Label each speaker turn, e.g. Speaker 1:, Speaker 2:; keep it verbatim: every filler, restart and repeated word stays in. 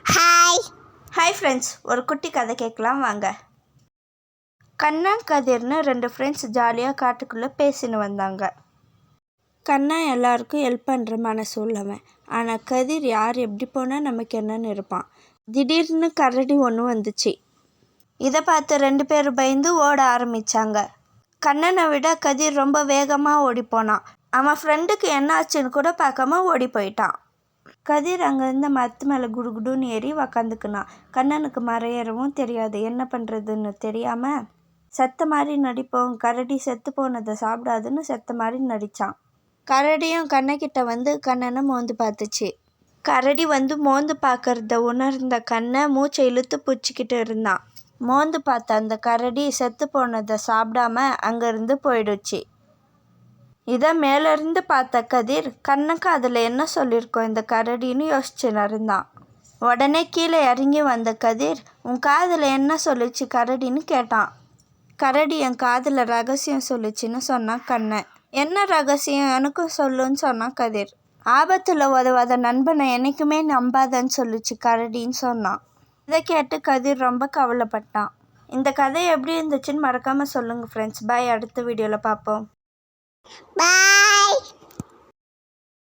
Speaker 1: Hi hi friends, ஒரு குட்டி கதை கேட்கலாம் வாங்க. கண்ணா கதிர்னு ரெண்டு ஃப்ரெண்ட்ஸ் ஜாலியாக காட்டுக்குள்ளே பேசின்னு வந்தாங்க. கண்ணா எல்லாருக்கும் ஹெல்ப் பண்ணுற மனசு உள்ளவன். ஆனால் கதிர் யார் எப்படி போனால் நமக்கு என்னன்னு இருப்பான். திடீர்னு கரடி ஒன்று வந்துச்சு. இதை பார்த்து ரெண்டு பேரும் பயந்து ஓட ஆரம்பித்தாங்க. கண்ணனை விட கதிர் ரொம்ப வேகமாக ஓடி போனான். அவன் ஃப்ரெண்டுக்கு என்ன ஆச்சுன்னு கூட பார்க்காம ஓடி போயிட்டான். கதிர் அங்கே இருந்த மரத்து மேலே குடுகுடுன்னு ஏறி உக்காந்துக்குனான். கண்ணனுக்கு மறையறவும் தெரியாது. என்ன பண்ணுறதுன்னு தெரியாமல் செத்த மாதிரி நடிப்போம், கரடி செத்து போனதை சாப்பிடாதுன்னு செத்த மாதிரி நடித்தான். கரடியும் கண்ணக்கிட்ட வந்து கண்ணனை மோந்து பார்த்துச்சு. கரடி வந்து மோந்து பார்க்கறத உணர்ந்த கண்ணை மூச்சை இழுத்து பிடிச்சிக்கிட்டு இருந்தான். மோந்து பார்த்த அந்த கரடி செத்து போனதை சாப்பிடாம அங்கேருந்து போயிடுச்சு. இதை மேலேருந்து பார்த்த கதிர், கண்ணுக்கு அதில் என்ன சொல்லியிருக்கோம் இந்த கரடின்னு யோசிச்சுன்னு இருந்தான். உடனே கீழே இறங்கி வந்த கதிர், உன் காதில் என்ன சொல்லிச்சு கரடின்னு கேட்டான். கரடி என் காதில் ரகசியம் சொல்லிச்சின்னு சொன்னான் கண்ணன். என்ன ரகசியம் எனக்கும் சொல்லுன்னு சொன்னான் கதிர். ஆபத்தில் உதவாத நண்பனை என்றைக்குமே நம்பாதன்னு சொல்லிச்சு கரடின்னு சொன்னான். இதை கேட்டு கதிர் ரொம்ப கவலைப்பட்டான். இந்த கதை எப்படி இருந்துச்சுன்னு மறக்காமல் சொல்லுங்கள் ஃப்ரெண்ட்ஸ். பாய், அடுத்த வீடியோவில் பார்ப்போம்.
Speaker 2: Bye.